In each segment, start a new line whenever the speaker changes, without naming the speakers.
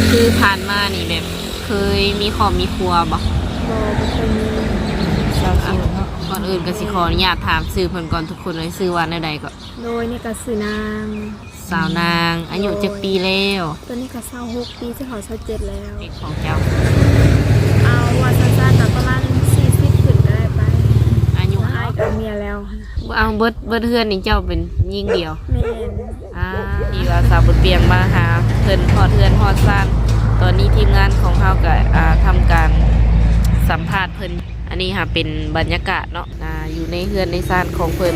คือผ่านมานี่แบบเคยมีครอบมีครัวบ่
บ่เคยมี
สาวโสดเนาะ
ก่อนอื่นก็สิขออนุญาตถามชื่อเพิ่นก่อนทุกคนเลยชื่อว่าแนวใดก็
โดยนี่ก็สื่อนาง
สาวนางอายุจักปีแล้ว
ตัวนี้ก็26ปีจะเข้า27แล้ว
เด็กของเจ้า
เอาว่าสั้นๆก็ประมาณ40ขึ้นก็ได้ไป
อายุ
อ้ายกับเมียแล้ว
เอาเบิดเฮือนนี่เจ้าเป็นยิ่งเดียว
แม่น
ที่ว่าสาวบุญเปียงมาหาเพิ่นฮอดเฮือนฮอดซ่านตอนนี้ทีมงานของเฮาก็ทำการสัมภาษณ์เพิ่นอันนี้ค่ะเป็นบรรยากาศเนาะอยู่ในเฮือนในซ่านของเพิ่น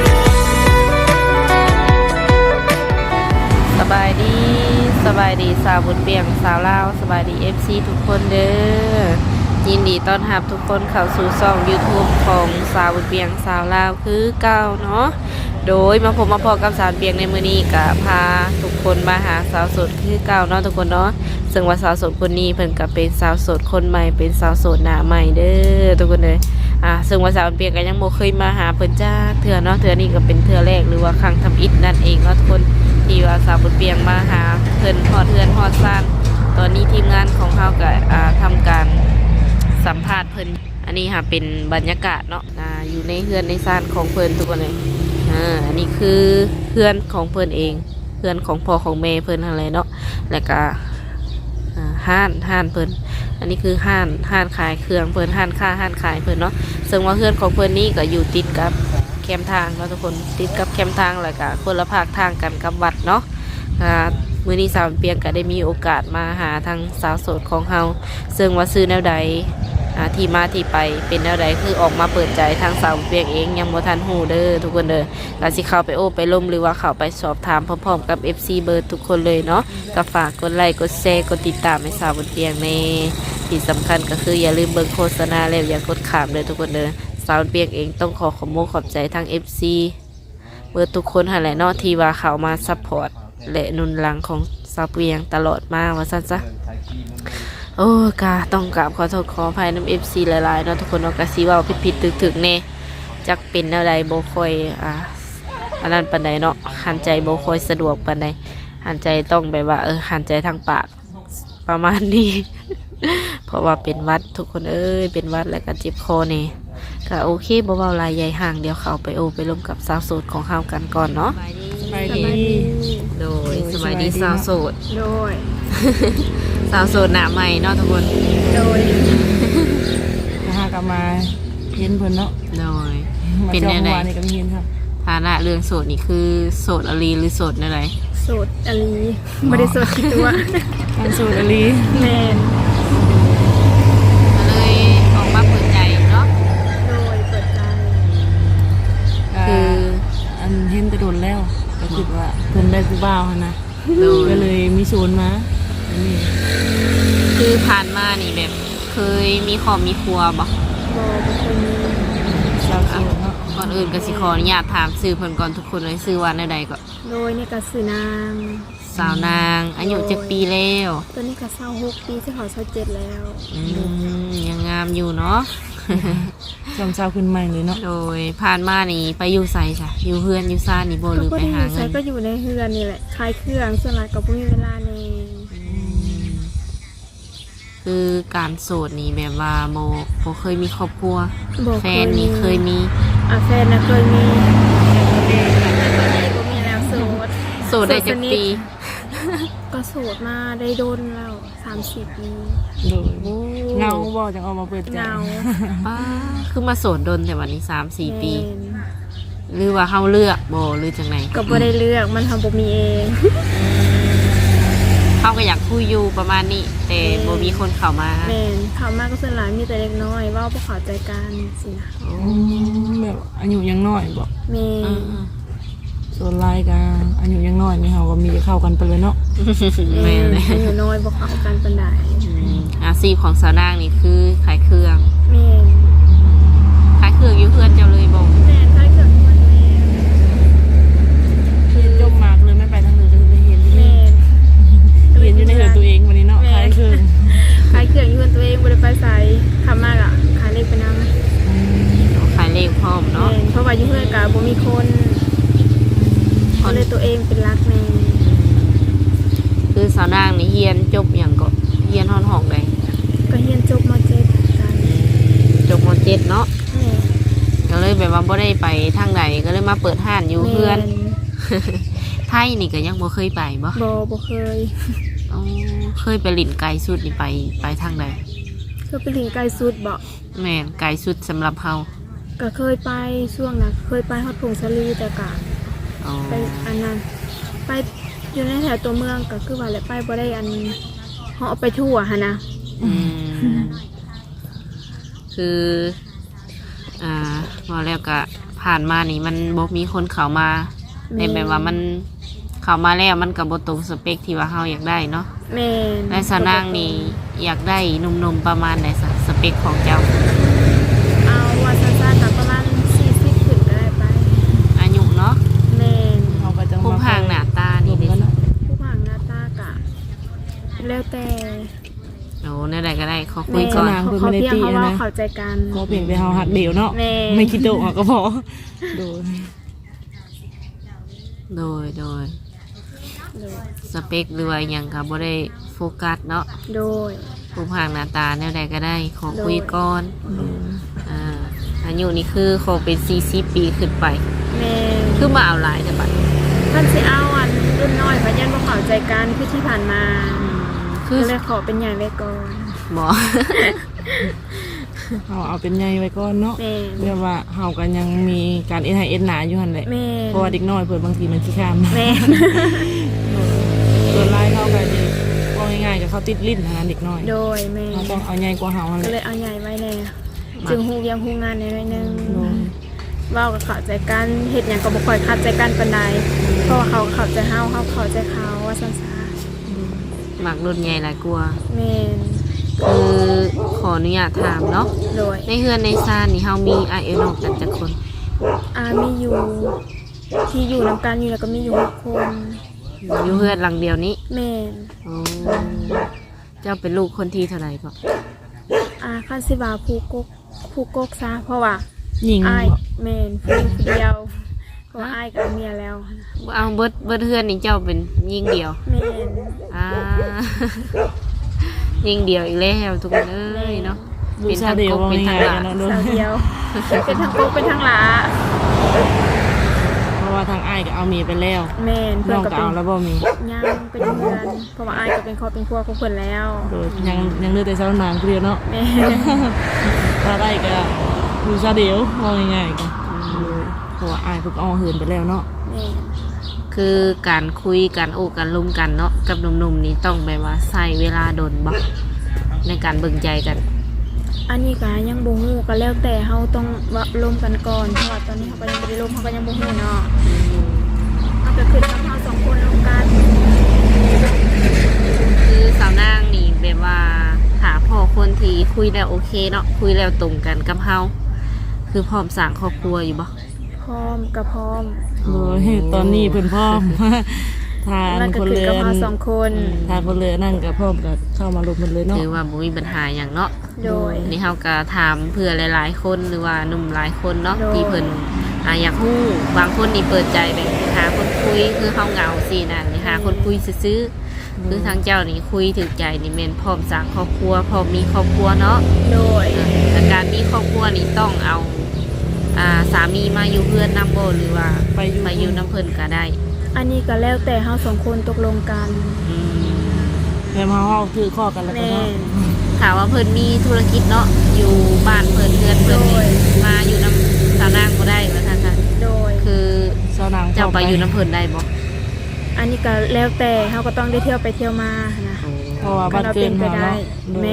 สบายดีสาวบุญเปียงสาวลาวสบายดี FC ทุกคนเด้อยินดีต้อนรับทุกคนเข้าสู่ช่อง YouTube ของสาวบุญเปียงสาวลาวคือเก่าเนาะโดยมาพบกับสาวเปียงในมื้อนี้ก็พาทุกคนมาหาสาวโสดคือเก่าเนาะทุกคนเนาะซึ่งว่าสาวโสดคนนี้เพิ่นก็เป็นสาวโสดคนใหม่เป็นสาวโสดหน้าใหม่เด้อทุกคนเลยซึ่งว่าสาวเปียงก็ยังบ่เคยมาหาเพิ่นจ้าเทื่อเนาะเทื่อนี้ก็เป็นเทื่อแรกหรือว่าครั้งทำอิฐนั่นเองเนาะทุกคนที่ว่าสาวบุญเปียงมาหาเพิ่นฮอดเฮือนฮอดซ่านตอนนี้ทีมงานของเฮาก็ทำการสัมภาษณ์เพิ่นอันนี้ค่ะเป็นบรรยากาศเนาะอยู่ในเฮือนในซ่านของเพิ่นทุกคนเลยอันนี้คือเฮือนของเพิ่นเองเฮือนของพ่อของแม่เพิ่นอะไรเนาะแล้วก็ห้านเพิ่นอันนี้คือห้านขายเครื่องเพิ่นห้านขายเพิ่นเนาะซึ่งว่าเฮือนของเพิ่นนี้ก็อยู่ติดกับแคมทางเนาะทุกคนติดกับแคมทางแล้วก็คนละภาคทางกันกับวัดเนาะมื้อนี้สาวเปียงก็ได้มีโอกาสมาหาทางสาวโสดของเฮาซึ่งว่าซื้อแนวใดที่มาที่ไปเป็นแนวใดคือออกมาเปิดใจทางสาวเปียงเองยังบ่ทันฮู้เด้อทุกคนเด้อก็สิเข้าไปโอ้ไปล้มหรือว่าเข้าไปสอบถามพร้อมๆกับ FC เบิร์ดทุกคนเลยเนาะก็ฝากกดไลค์กดแชร์กดติดตามให้สาวเปียงในที่สำคัญก็คืออย่าลืมเบิ่งโฆษณาแล้วอย่ากดข้ามเลยทุกคนเด้อสาวเปียงเองต้องขอบใจทาง FC เบิร์ดทุกคนหั่นแหละเนาะที่ว่าเข้ามาซัพพอร์ตและหนุนหลังของสาวเปียงตลอดมาว่าซั่นซะโอ้กาต้องกราบขอโทษขออภัยน้ำ FC หลายๆเนาะทุกคนเนาะกะสิว่าผิดๆถึกๆแน่จักเป็นแนวใดบ่ค่อยอันนั้นปานใดเนาะหันใจบ่ค่อยสะดวกปานใดหันใจต้องแบบว่าหันใจทางปากประมาณนี้ เพราะว่าเป็นวัดทุกคนเป็นวัดแล้วก็เจ็บคอแน่ก็โอเคบ่เว้าหลายใหญ่ห่างเดี๋ยวเข้าไปไปร่วมกับสาวโสดของเฮากันก่อนเนาะ
สบายดี
โดยสบายดีสาวโสด
โดย
สาวโสดหน้าใหม่เนาะทุกคน
โดย
หากลับมาเห็นเพิ่นเนาะ
โดย
เป็นแนวใดนี่ก็มีเห็นครับ
ฐานะเรื่องโสดนี่คือโสดอลีหรือโสดอะไร
โสดอลีไม่ได้โสดกี่ตัว
โสดอลี
แม่น
ก็เลยออกมาเปิดใจเนาะ
โดยเปิดใจ
คืออันเห็นแต่โดนแล้วก็คิดว่าเพิ่นได้ผู้บ่าวนะก็เลยมีโซนมาอันนี้
คือผ่านมานี่แบบเคยมีครอบมีครัวบ่
เคยมี
สาวโสดเนาะ
ก่อนอื่นก็สิขออนุญาตถามชื่อเพิ่นก่อนทุกคนเลยชื่อว่าแนวใดก็
โดยนี่ก็สื่อนาง
สาวนางอายุจักปีแล้ว
ตัวนี้ก็26ปีจะเข้า27แล้ว
ยังงามอยู่เนาะ
จอมสาวขึ้นใหม่เลยเนาะ
โดยผ่านมานี่ไปอยู่ไสจ้ะอยู่เฮือนอยู่ซ่านนี่บ่หรือไปหาเงิน
ก็อยู่ในเฮือนนี่แหละขายเครื่องส่วนหลายก็บ่มีเวลาแน่
คือการโสดนี่แบบว่าโมเคยมีครอบครัวแฟนนี่เคยมี
แฟนนะเคยมีก็มีแล้ว
โสดได้จักปี
ก็โสดมาได้โดนแล้ว30 ปี
เงาบ่จังออกมาเปิดใจ
เงา
คือมาโสดโดนแต่วันนี้3-4 ปีหรือว่าเฮาเลือกบ่หรือจังได
ก็บ่ได้เลือกมันทำบ่มีเอง
เขาก็อยากคุยอยู่ประมาณนี้แต่บ่มีคนเข้ามา
แม่นเข้ามาก็ส่วนหลายมีแต่เล็กน้อยว่าบ่เข้าใจกันสินะ
แบบอายุยังน้อยบ่
แม่
ส่วนหลายก็อายุยังน้อยนี่เฮาก็มีจะเข้ากันไปเลยเนาะ
แม่เลย
อายุน้อยบ่เข้ากันปานใด
อาชีพของสาวนางนี่คือขายเครื่อง
แม่
ขายเครื่องอยู่เพื่อนเจ้าเลยบ่
แม่ขายเครื่องอยู่เพื่อนแม่
คือจบมาเลยไม่ไปทางอื่นเลยเห็นที่นี่เห็นอยู่ในเฮือนตัวเองวันนี้เนาะขายเครื่อง
อยู่เฮือนตัวเองบ่ได้ไปไสทำมากอ่ะขายเลขไปนำ
ขายเลขพร้อมเนาะ
เพราะว่าอยู่เฮือนก็บ่มีคนก็เลยตัวเองเป็นรักแม่
คือสาวนางนี่เรียนจบหยังก็ 17เนาะ
แม่
ก็เลยแบบว่าบ่ได้ไปทางใดก็เลยมาเปิดห้านอยู่เพื่อน ไทยนี่ก็ยังบ่เคยไปบ่
บ่เคย
อ๋อเคยไปหลินไกลสุดนี่ไปทางใด
เคยไปถึงไกลสุดบ่
แม่นไกลสุดสำหรับเฮา
ก็เคยไปช่วงน่ะเคยไปฮอดพงสลีแต่ก็
อ๋อ
ไปอันนั้นไปอยู่ในแถวตัวเมืองก็คือว่าแหละไปบ่ได้อันเหาะไปทั่วหั่นนะ
อืมคือว่าแล้วก็ผ่านมานี่มันบ่มีคนเข้ามาในแบบว่ามันเข้ามาแล้วมันก็บ่ตรงสเปคที่ว่าเฮาอยากได้เนาะ
แม่น
และสาวนางนี่อยากได้หนุ่มๆประมาณไหนสเปคของเจ้า
เอาว่าสั้นๆน่ะประมาณ40ขึ้นก็ได้ไป
อายุเนาะ
แม่น
เขาก็จะ
ผู้พางหน้าตานี่
นี่
เด้
เนาะ
ผู้ผ่านหน้าตากะแล้วแต่
โอ้ในใดก็ได้ขอคุ
แม่
ยก่อน
นาง
เขา
เพิ่นไม่ได้
เพียง
ตี
เขาว่า
นะ
เข้าใจกัน
ขอเพียงแต่เฮาหักเดียวเนาะ
แม่
ไม่คิดโตะเขาก็พอโดย
โดยสเปคหรือว่าหยังก็บ่ได้โฟกัสเนาะ
โดย
ผู้พางหน้าตาแนวใดก็ได้ขอคุยก่อน
โดย
อายุนี่คือขอเป็น40ปีขึ้นไป
แม่
คือมาเอาหลายแต่บัด
ท่านสิเอาอันรุ่นน้อยเพราะยันบ่เข้าใจกันคือที่ผ่านมา
คือ
ก็เลยขอเป็นใหญ่ไว้ก่อน
หมอ
เอาเป็นใหญ่ไว้ก่อนเนาะ
แม่
เรียกว่าเฮากันยังมีการเอ็นไฮเอ็นหนาอยู่หั่นแหละ
แม่
เพราะว่าเด็กน้อยเพิ่นบางทีมันขี้ข้ามนะ
แม่
ส่วนลายเขาก็จะว่าง่ายๆกับเขาติดลิ้นนะเด็กน้อย
โดยแม่
เขาต้องเอาใหญ่กว่าเฮาหั่น
ก็
แห
เล
ละ
ยเอาใหญ่ไว้แน่จึงฮู้ยังฮู้งานในหน่อยหนึง
โดย
เว้ากับเข้าใจกันเฮ็ดหยังก็บ่ค่อยเข้าใจกันปานใดเพราะว่าเขาเข้าใจเฮาเข้าใจเขาว่าซั่นซะ
หมักรุ่นใหญ่หลายกลัวา
แม่น
คือขออนุญาตถามเนาะ
โดย
ในเฮือนในซานนี่เฮามีอายุนอกกันจักคน
มีอยู่ที่อยู่นำกันอยู่แล้วก็มีอยู่6คน
อยู่เฮือนหลังเดียวนี้
แม่น
โอ้เจ้าเป็นลูกคนที่เท่าไหร่ก็
คันสิว่าผู้กกซะเพราะว่า
หญิง
อ้ายแม่นผู้เดียวเพราะว่าอ้ายกับเมียแล้ว
เอาเบิดเฮือนนี่เจ้าเป็นยิ่งเดียว
แม่น
อ่า ยิ่งเดียวอีกแล้วทุกคนเอ้ยเนาะ
ดู
เป็น
ซา
ทาง
เดียว
กบ
ว่า
เป็นทา
ง่าง ย
หลา
ๆกันเนาะโดย
สาวเดียว เป็นทั้งกกเป็นทั้งหลา
เพราะว่าทางอ้ายก็เอาเมียไปแล้ว
แม่นเพื่
น้
อ
อน ง
ก็
ก็
เป็น
เอาแล้วบ่มี
ย่างเป็นเพื่อนเพราะว่าอ้ายก็เป็นครอบเป็นครัวของเพิ่นแล้ว
โดยยังเหลือแต่สาวนางผู้เดียวเนาะ
แม่
ถ้าได้ก็ดูซาเดียวว่าง่ายๆกันเพราะว่าอ้ายเพิ่งเอาเหินไปแล้วเนาะ
แม่
คือการคุยกันโอ้กันลุมกันเนาะกับหนุ่มๆนี่ต้องแบบว่าใช้เวลาโดนบ่ในการเบิ่งใจกัน
อันนี้ก็ยังบ่ฮู้ก็แล้วแต่เฮาต้องว่าร่วมกันก่อนเพราะว่าตอนนี้เฮาก็ยังบ่ได้ร่วมเฮาก็ยังบ่ฮู้เนาะเฮาก็ขึ้นกับเฮาสองคนร่วมกัน
คือสาวนางนี่แบบว่าหาพ่อคนที่คุยแล้วโอเคเนาะคุยแล้วตรงกันกับเฮาคือพร้อมสร้างครอบครัวอยู่บ่
พร้อมกับพร้อม
โดยตอนนี้เพิ่นพร้อม ทาน
แล้วก็
คน
ขึ้น
เรื
กับ
อน
เฮาสองคน
ทานคนเรือนั่นก็พร้อมกับเข้ามาลงมันเลยเนาะ
ถือว่าบ่มีปัญหาหยังเนาะ
โดย
นี่เฮาก็ถามเพื่อหลายๆคนหรือว่าหนุ่มหลายคนเนาะ
โดย
ที่เพิ่นอยากฮู้บางคนนี่เปิดใจแบบหาคนคุยคือเฮาเหงาสินั่นนี่หาคนคุยซื่อๆคือทางเจ้านี่คุยถึงใจนี่แม่นพร้อมสร้างครอบครัวพร้อมมีครอบครัวเนาะ
โดย
แต่การมีครอบครัวนี่ต้องเอาสามีมาอยู่เพื่อนนำบ่หรือว่า
ไปอยู่
มาอยู่น้ำเพิ่นก็ได้
อันนี้ก็แล้วแต่เฮาสองคนตกลงกัน
อืม
แต่มาห้องคือข้อกันแล้วก็
แม่
เนาะ
ถามว่าเพิ่นมีธุรกิจเนาะอยู่บ้านเพิ่นเพื่อนเพิ่นนี่
โดย
มาอยู่น้ำสาวนางบ่ได้ว่าท่านค่ะ
โดย
คือ
สาวนาง
เจ้าไปอยู่น้ำเพิ่นได้บ่
อันนี้ก็แล้วแต่เฮาก็ต้องได้เที่ยวไปเที่ยวมานะ
เพราะว่าบ้านเกิน
ก็
เฮา
เราเป็นไปได้
เนาะ
แม่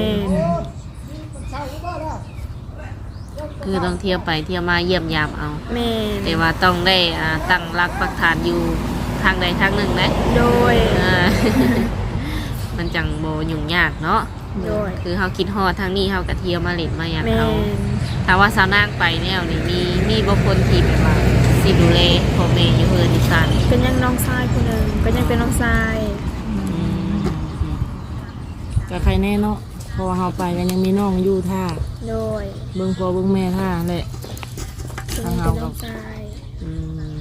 คือต้องเที่ยวไปเที่ยวมาเยี่ยมยามเอา
แม่
แต่ว่าต้องได้ตั้งรักปักฐานอยู่ทางใดทางหนึ่งนะ
โดย
อ่า มันจังโบยุ่งยากเนาะ
โดย
คือเฮาคิดฮอดทางนี้เฮาก็เที่ยวมาเล่นมาอย่าง
แม่
เฮาถ้าว่าสาวนางไปแนวนี่มีบ่คนที่แบบว่าสิดูแลพ่อแม่อยู่เฮือนอีสาน
ก็ยังน้องชายคนหนึ่งก็ยังเป็นน้องชาย
ก็ใครแน่เนาะเพราะว่าเฮาไปก็ยังมีน้องอยู่ท่า
โดย
เบิ่งพ่อเบิ่งแม่ท่าแหละ
ก็ยังเป็นน้องชาย
อืม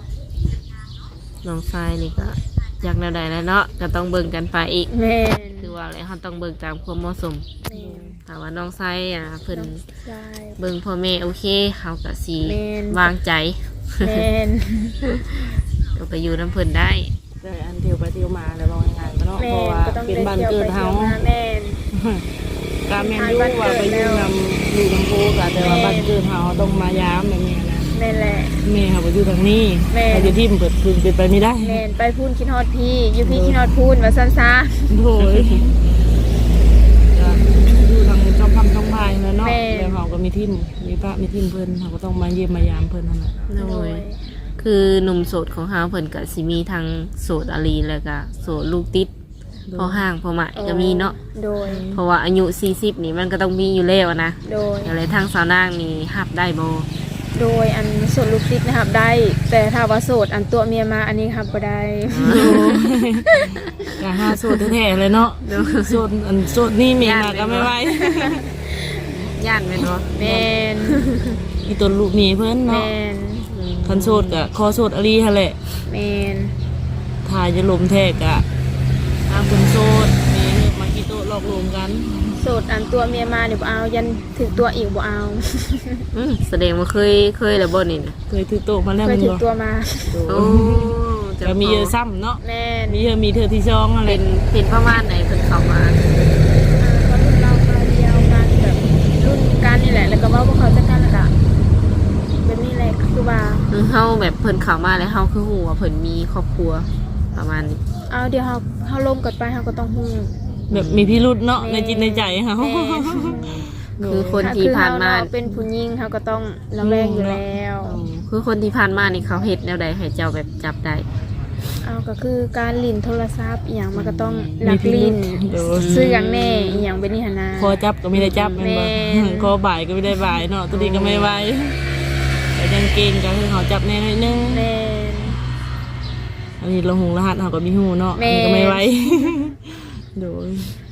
น้องชายนี่ก็อยากแนวใดแล้วเนาะก็ต้องเบิ่งกันไปอีก
แม่
คือว่าอะไรเฮาต้องเบิ่งตามความเหมาะสม
แม่น
ถ้าว่าน้องไซเพิ่น
ใช่
เบิ่งพ่อแม่โอเคเฮาก็สิ
แม่น
วางใจ
แม่น
ก็ไปอยู่น้ำเพิ่นได้
ได้อันเที่ยวไปเที่ยวมาแล้วว่าง่ายๆก็เนาะเพ
แม่
ราะ
น
ว่า
ก็ต้อง
เป็น
ได้
บ้าน
เที่ยว
เกิด
ไป
เฮา
เที่ยวมาแม่น
ตามแม่นอยู่ว่าไปอยู่นำอยู่นำโพก็แต่ว่าบ้านเกิดเฮาต้องมายามแบบนี้นะ
แม่นแหละ
แม่เขาบ่อยู่ทางนี้
แม่
เขาอยู่ที่มันเปิดคืนเป็นไปไม่ได้
แม่นไปพูนคิดฮอดพี่อยู่พี่คิดฮอดพูนว่าซั่นซะ
โอ้ยก็อยู่ทางช่องคำช่องพายแล้วเนาะ
แม่
แล้วเขาก็มีทีมมีพระมีทีมเพิ่นเขาก็ต้องมาเยี่ยมมายามเพิ่นนั่นแหละ
โดยคือหนุ่มโสดของเฮาเพิ่นก็สิมีทั้งโสดอาลีแล้วก็โสดลูกติดพอห่างพอหมายก็มีเนาะ
โดย
เพราะว่าอายุ40นี่มันก็ต้องมีอยู่แล้วนะ
โดย
อะไรทางสาวนางนี่หับได้บ่
โดยอันโสดลูกติดนะครับได้ แต่ถ้าว่าโสดอันตัวเมียมาอันนี้ครับบ่ได้
ก็หาโสดแท้ๆเลยเนาะโสดอันโสดนี่เมียมาก็ไม่ไหว
ย่านแม่นบ่
แม่น
อีตนลูกหนีเพิ่น
แม่
เนาะ
น
คันโสดก็ขอโสดอลีหั่นแหละ
แม่น
ถ้าจะลมแท้ก็ตามคนโสดมีเลิกมากี่โต๊ะหลอกลวงกัน
โสดอันตัวเมียมาเดี๋ยวบ่เอายันถึงตัวอีกบ่เอา
แสดงว่าเคยแล้วบ่นี่นะ
เคยถือโต๊ะมาแล้ว
เค
มั
ย
น
ถึง
บ่
ตัวมา
โอ้จะ
ก็มีเยอะซ้ำเนาะ
แม่น
มีเยอะมีเธอที่ช่องอะไร
เป็นประมาณไหนเพิ่นเข้ามา
ก็รุ่นเรามาเดียวกันแบบรุ่นกันนี่แหละแล้วก็เว่าพวกเขาจะกันแล้วก็แบบนี้แหละคือว่า
เฮาแบบเพิ่นเข้ามาแล้วเฮาคือฮู้ว่าเพิ่นมีครอบครัวประมาณนี้
เอาเดี๋ยวเฮาลมกันไปเฮาก็ต้องฮู้
แบบมีพิรุษเนาะในจิตในใจเขา
แม่
คือคนที่ผ่านมา
คือเฮเะเป็นผู้หญิงเฮาก็ต้องระแวงอยู่แล้ว
คือคนที่ผ่านมานี่เขาเฮ็ดแนวใดให้เจ้าแบบจับได้
เอาก็คือการลิ้นโทรศัพท์อหย่างมันก็ต้องลักลิ้น
โดย
ซื้ออย่างแน่อหย่างเป็นนิหนนา
คอจับก็ไม่ได้จับแม่นบ่
แม่น
คอบ่ายก็ไม่ได้บ่ายเนาะตัวนี้ก็ไม่ไหวแต่ยังเก่งก็คือเขาจับแน่หน่อยนึง
แม่น
อันนี้เราหงรหัสเขาก็มีหูเนาะ
แม่
อันนี้ก็ไม่ไหวโดย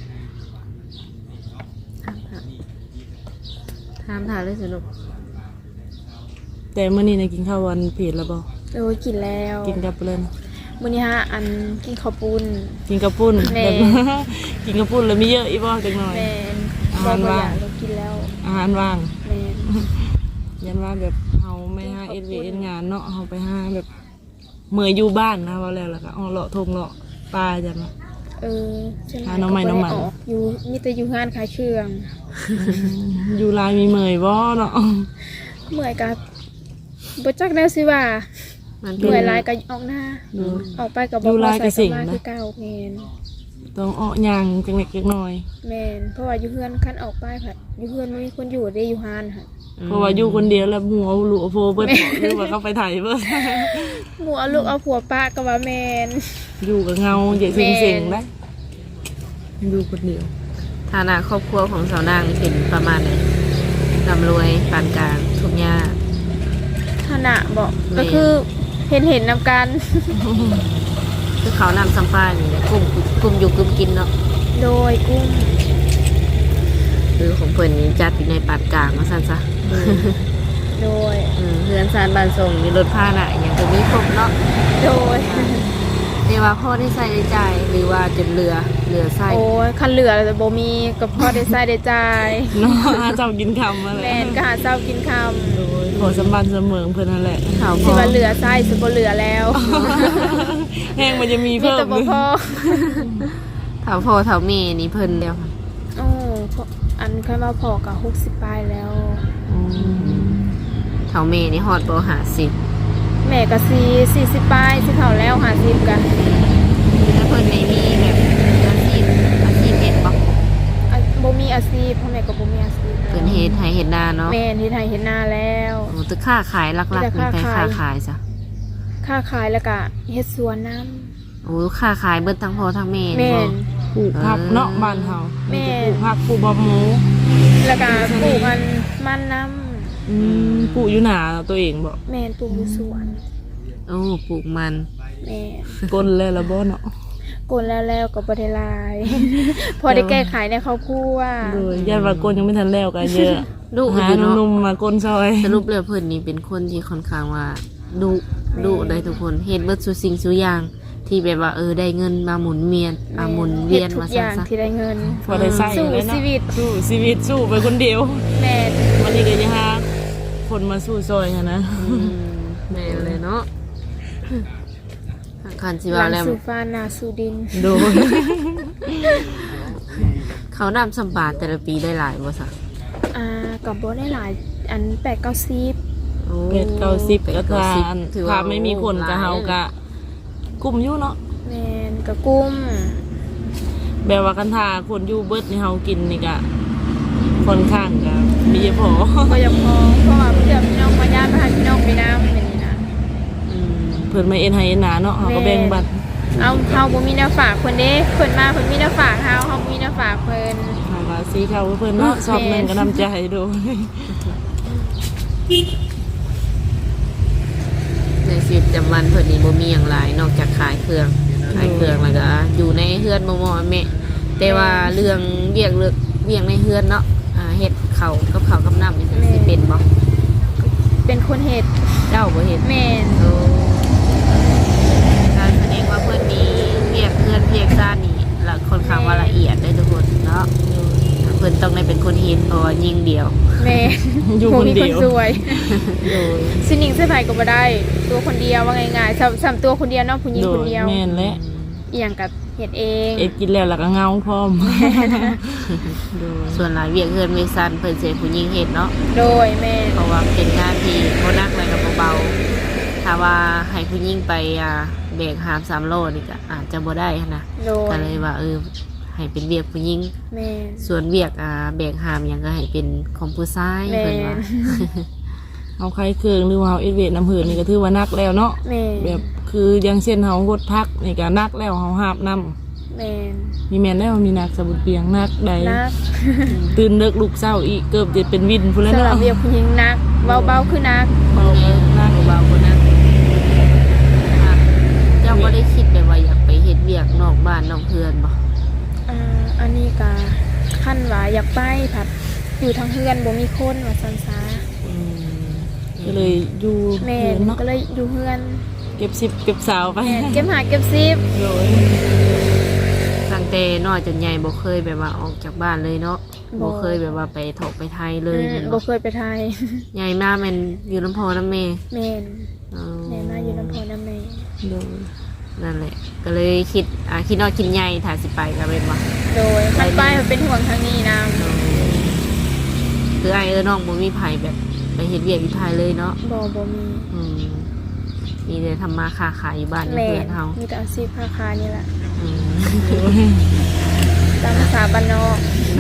ถามเลยสนุก
แต่เมื่อนี้นะกินข้าววันเพจแล้วบ่
โอ้ยกินแล้ว
กินกับเล่น
มื้อนี้ฮะอันกินข้าวปุ้น
กินกับปุ้น
แม่
แบบ กินกับปุ้นแล้วมีเยอะอีบ่จังหน่อย
แม่น
อา
บ่
หาร
บ่อ
ว่าง
ยากเรากินแล้ว
อาหารว่าง
แม่น
ยันว่าแบบเฮาไม่หาเอ็ดวีเอ็นงานเนาะเฮาไปหาแบบเมื่ออยู่บ้านนะว่าแล้วก็เลาะทงเลาะปลาจังเนาะ
ฉัน
หาน้องใหม่น้องใหม่
ก็บ่ได้กอยู่มีแต่อยู่งานขายเครื่อง
อยู่ลายมีเมยบ่เนาะ
เมื่อยกับบ่จักแล้วสิว่า
มันเป็
เมื่อย
น
หลายก็ออกหน้า
ดู
ออกไปกับ
อยู่ลายก็สิ่ง
มา
นะ
คือเก่าแม่น
ต้องอ้อยางจังเล็กจังน้อย
แม่นเพราะว่าอยู่เฮือนคันออกไปค่ะอยู่เฮือนบ่มีคนอยู่ได้อยู่ฮานค่ะ
เพราะว่าอยู่คนเดียวแล้วหัวหลุโฟเบิดหรือว่าเขาไปไถเบิด
หมู่เอาลูกเอาผัวป้าก็ว่าแม่น
อยู่กับเงาใหญ่เสียงๆได้อยู่คนเดียว
ฐานะครอบครัวของสาวนางนี่เป็นประมาณไหนร่ำรวยปานกลางทุกข์ยาก
ฐานะบอก
แม่
ก็คือเห็นนำกัน
คือเขานำซัมป้านี่แหละกลุ่มอยู่กลุ่มกินเนาะ
โดยกุ้ง
คือของเพิ่นนี่จัดอยู่ในปานกลางว่าซั่นซะ
โดย
เรือนซานบ้านส่งมีรถพาหนะอย่างก็มีครบเนาะ
โดย
แต่ว่าพ่อได้ใส่ได้จ่ายหรือว่าจนเรือใส่
โอ้ยคันเหลือแต่บ่มีกับพ่อได้ใส่ได้จ่าย
เนาะหาเจ้ากินคำมาแหละ
แม่นก็หาเช้ากินค่
โดยขอสมบัติเสมอเพื่อนนั่นแหละ
เขา
ำ
พ
สิ
อ
ว่าเหลือใส่สิบ่เหลือแล้ว
แห้งมันจะมี
มี
เพิ่ม
แต่บ่พอ
เขาพ่อเขาแม่นี่เพิ่นแล้วค่ะ
โอ้พออันค่อยมาพอก็60ปลายแล้ว
อืม
เขาแม่นี่ฮอดบ่50
แม่ก็40ปลายสิเข้าแล้ว50กัน
แล้วเพิ่นไม่มีแบบอาชีพเฮ็ดบ่
บ่มีอาชีพพ่อแม่ก็บ่มีอาชีพ
เพิ่นเฮ็ดให้เฮ็ดนาเนาะ
แม่ที่ไทยเห็นหน้าแล้ว
โอ้ตึกค้าขายหลักๆเป็นไปค้าขายจ้ะ
ค้าขายแล้วก็เฮ็ดสวนน้
โอ้ค้าขายเบิดทั้งพ่อทั้งแม่
ำ
นี่
แม่
บ่
น
ปลูกผักเนาะบ้านเฮา
แม่
ปลูกผักปลูกบะหมู
แล้วก็ปลูกมันน้
ปลูกอยู่หนาตัวเองบ่
ำแม่นปลูกอยู่สวน
โอ้ปลูกมัน
แม่
ก้นแล้วละบ่เนาะ
กลแล้วก็บ่ได้หลาย พอได้แก้ไขในครอบครัว
โดยญาติว่าก้นยังไม่ทันแล้วกันเยอะ
ดุ
หา
อยู่เนาะ
หนุ่มๆมาก้นซอย
สรุปแล้วเพิ่นนี่เป็นคนที่ค่อนข้างว่าดุได้ทุกคนเฮ็ดเบิดสุสิ่งสุอย่างที่แบบว่าได้เงินมาหมุนเวียนหมุนเวียน
ทุ
มาก
อย่าง
ซะ
ที่ได้เงิน
พอได้ใส่
สู้
เลยเนาะ
ชีวิต
สู้ชีวิตสู้ไปคนเดียว
แม่น
วันนี้ก็ยังหาคนมาสู้ซอยกันนะ
แม่นเลยเนาะคันสิ
ห
ว่า
ลัง
แล้ว
สู่ฟ้าหน้าสู่ดิน
โดย
เขานำสัมบาทแต่ละปีได้หลายบ่ซะ
กับบ่ได้หลายอัน8-9
โอ้
เป็ด90ก็ทาน
ถือ
ถ้าไม่มีคนก็เฮาก็กลุ่มอยู่เนาะ
แม่นกะกุ้ม
แบบว่ากันทาคนอยู่เบิดนี่เฮากินนี่ก็ค่อนข้างก็มีพอ
ก็ยังพอเพราะว่าเพื่อนพี่น้องมาญาติมาหาพี่น้องไปน้ำเป็นนี่นะ
เพิ่นมาเอ็นให้เอ็นหนาเนาะเฮาก็แบ่งบัตร
เอาเฮาบ่มีแนวฝากเพิ่นเด้เพิ่นมาเพิ่นมีแนวฝากเฮาบ่มีแนวฝากเพิ่น
เฮาก็สีเข้าเพิ่นเนาะชอบหนึงก็นำใจดู
ในชีวิตประจำวันเพิ่นนี่บ่มีหยังหลายนอกจากขายเครื่องแล้วก็อยู่ในเฮือนบ่ๆแม่แต่ว่าเรื่องเวียกในเฮือนเนาะเฮ็ดข้าวกับน้ำนี่สิเป็นบ่
เป็นคนเฮ็ด
เจ้าบ่เฮ็ด
แม่น
โอ้การแสดงว่าเพื่อนมีเรียกเพื่อนเรียกซ่านนี่ละค่อนข้างว่าละเอียดได้ทุกคนเนาะเพื่อนต้องได้เป็นคนเห็นเพราะว่ายิงเดียว
แม่น
อยู่คนเดียว
บ่มีสวย
โดย
สิหนิงใส่ไผก็บ่ได้ ตัวคนเดียวว่าง่ายๆซ้ำตัวคนเดียวเนาะผู้หญิง
โด
คน
ย
เดียว
แม่นและ
อีหยังก็เฮ็ดเอง
เอ็ดกินแล้วแล้วก็เงาพร้อมโดย
ส่วนหลายเวียกเพื่อนเวียกซ่านเพื่อนเสียผู้ยิงเห็นเนาะ
โดยแม่น
เพราะว่าเป็นงานที่บ่หนักเลยกับเบาๆถ้าว่าให้ผู้ยิงไปแบกหาม3 โลนี่ก็อาจจะบ่ได้หั้นนะ
โดย
ก็เลยว่าให้เป็นเวียกผู้ยิง
แม่น
ส่วนเวียกแบกหามหยังก็ให้เป็นของผู้ชาย
แม่
เพิ่นว่า
น
เอาใครเครื่องหรือว่าเอาเอ็ดเวทน้ำเหือนี่ก็ถือว่านักแล้วเนาะ
แม่น
แบบคืออย่างเช่นเฮางดพักนี่ก็นักแล้วเฮาหาบน้
แม่น
ำมีแม่นแล้วมีนักสมุดเปียงนักใด
นัก
ตื่นเลิกลูกเศร้าอีกเกือบจะเป็นวินพุ่นแล้ว
สำหรับ
เนาะ
เวียกผู้หญิงนักเบาๆคือนัก
เบาๆนัก
เบาๆคนนั้นเจ้าบ่ได้คิดไปว่าอยากไปเฮ็ดเวียกนอกบ้านนอกเพื่อนบ่
อันนี้ก็ขั้นว่าอยากไปผัดอยู่ทางเฮือนบ่มีคนว่าซันซา
ก็เลยอยู่
แม่
เฮือน
น
เนาะ
ก็เลยอยู่เฮือน
เก็บสิบเก็บสาวไป
แม่นเก็บหาเก็บซิบ
โดย
ตั้งแต่น้อยจนใหญ่บ่เคยแบบว่าออกจากบ้านเลยเนาะบ่เคยแบบว่าไปถกไปไทยเลยแม่น
บ่
บ่
เคยไปไทย
ใหญ่มาแม่นอยู่ลำพอน้ำแม่
แม่น
อ๋อ
แม่มาอยู่ลำพูนน้ำแม่
โดย
นั่นแหละ ก็เลยคิดนอดคิดใหญ่ถ้าสิไปก็เป็นว่า
โดยมันไปมันเป็นห่วงทางนี้นะ
คือไอ้น้องบ่มีไผแบบไปเฮ็ดเวียกอยู่ไทยเลยเนาะ
บ่มี
อืมมีแต่ทำมาค้าขายอยู่บ้านอยู่
แม่
เพื่อนเฮา
มีแต่อาชีพค้าขายนี่แหละ
อืม
ตามภาษาบ้านนอก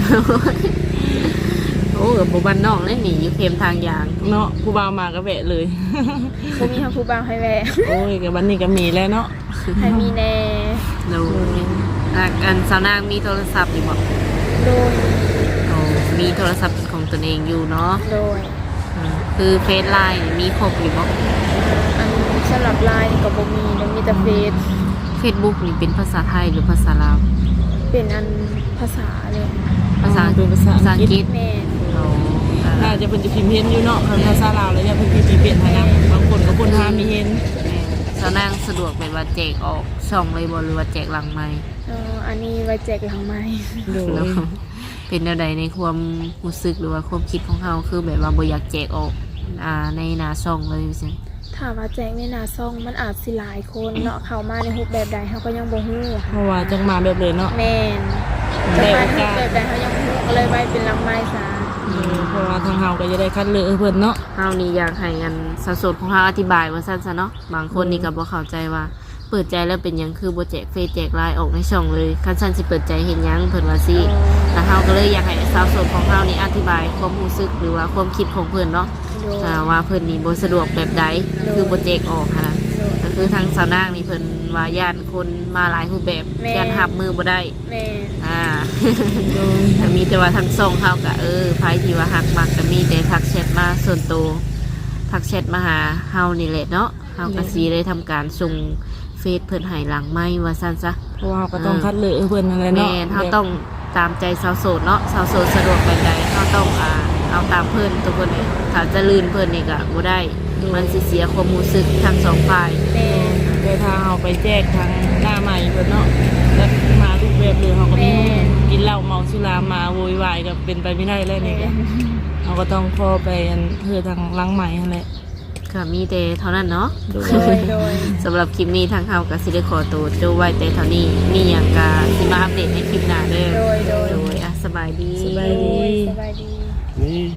โอ้กับบ้านนอกเลยหนีอยู่เค็มทางยาง
เนาะผู้บ่าวมาก็แวะเลย
บ่มีทางผู้บ่าวให้แวะ
โอ้ยกับบันนี้ก็มีแล้วเนาะ
ให้มีแน่
เราอันสาวนางมีโทรศัพท์อยู่บ่
โดย
โอ้มีโทรศัพท์เป็นของตนเองอยู่เนาะ
โดย
คือเฟซไลน์มีครบอยู่บ่
อันสำหรับไลน์นี่ก็บ่มีแล้วมีแต่เฟซ
เฟซบุ๊กนี่เป็นภาษาไทยหรือภาษาลาว
เป็นอันภาษาเลย
ภาษา
เป็นภาษาอังกฤษ
แม่น
โอ้
น่าจะเป็นจะพิมพ์เห็นอยู่เนาะภาษาลาวแล้วเนี่ยเพิ่นพิมพ์เปลี่ยนให้นะบางคนก็คนหามีเห็น
สาวนางสะดวกแบบว่าแจกออกช่องเลยบ่หรือว่าแจกหลังไมค์
อันนี้ไว้แจกหลังไม้
โดย
แล้วเป็นแนวใดในความรู้สึกหรือว่าความคิดของเฮาคือแบบว่าบ่อยากแจกออกในหน้าช่องเลยจัง
ถามว่าแจกในหน้าซ่องมันอาจสิหลายคนเนาะเข้ามาในรูปแบบใดเฮาก็ยังบ่ฮู้
เพราะว่าจังมาแบบเลยเนาะ
แม่น
ได้
จะ
โอ
มารู
กา
ป
ส
แบบใดเฮายังบ่ฮู้ก็เลยไว้เป็นหลังไม้ซะ
เพราะว่าทางเฮาก็จะได้คัดเลือกให้เพิ่นเนาะ
เฮานี่อยากให้อันสาวโสดของเฮาอธิบายว่าซั่นซะเนาะบางคนนี่ก็บ่เข้าใจว่าเปิดใจแล้วเป็นหยังคือบ่แจกเฟซแจกไลน์ออกในช่องเลยคันซั่นสิเปิดใจเฮ็ดหยังเพิ่นว่าสิแล้วเฮาก็เลยอยากให้สาวโสดของเฮานี่อธิบายความรู้สึกหรือว่าความคิดของเพิ่นเนาะ
โดย
ว่าเพิ่นนี่บ่สะดวกแบบใดคือบ่แจกออกค่ะนะ
โดย
ก็คือทางสาวนางนี่เพิ่นว่าย่านคนมาหลายรูปแบบ
แม่
ย่านรับมือบ่ได้
แม่น
โดย
แต่มีแต่ว่าทางส่งเฮาก็ไผที่ว่าฮักมักก็มีแต่ทักแชทมาส่วนตัวทักแชทมาหาเฮานี่แหละเนาะเฮาก็สิได้ทำการส่งเฟซเพิ่นให้หลังไม้ว่าซั่นซะ
เพราะว่าเราก็ต้องคัดเลือกให้เพิ่นนั่นแหละเนาะ
แม่นเฮาต้องตามใจสาวโสดเนาะสาวโสดสะดวกแบบใดเฮาต้องเอาตามเพิ่นทุกคนเลยถ้าจะลื่นเพิ่นนี่ก็บ่ได้มันสิเสียความรู้สึกทั้งสองฝ่าย
แม่น
แต่ถ้าเฮาไปแจกทางหน้าใหม่เพิ่นเนาะแล้วมารูปแบบเลยเฮาก็มีกินเหล้าเมาสุรามาโวยวายก็เป็นไปไม่ได้แล้วนี่ก็เฮาก็ต้องขอไปอันเพื่อทางหลังใหม่นั่นแหละ
ก็มีแต่เท่านั้นเนาะ
โด
โดย
สำหรับคลิปนี้ทางเฮากับซิได้ขอตัวโจไว้แต่เท่านี้มีอย่างกาสิมาอัปเดตในคลิปหน้าเด้อ
โดย
โดยอ่ะสบายดี
สบายดี
สบายดี
นี่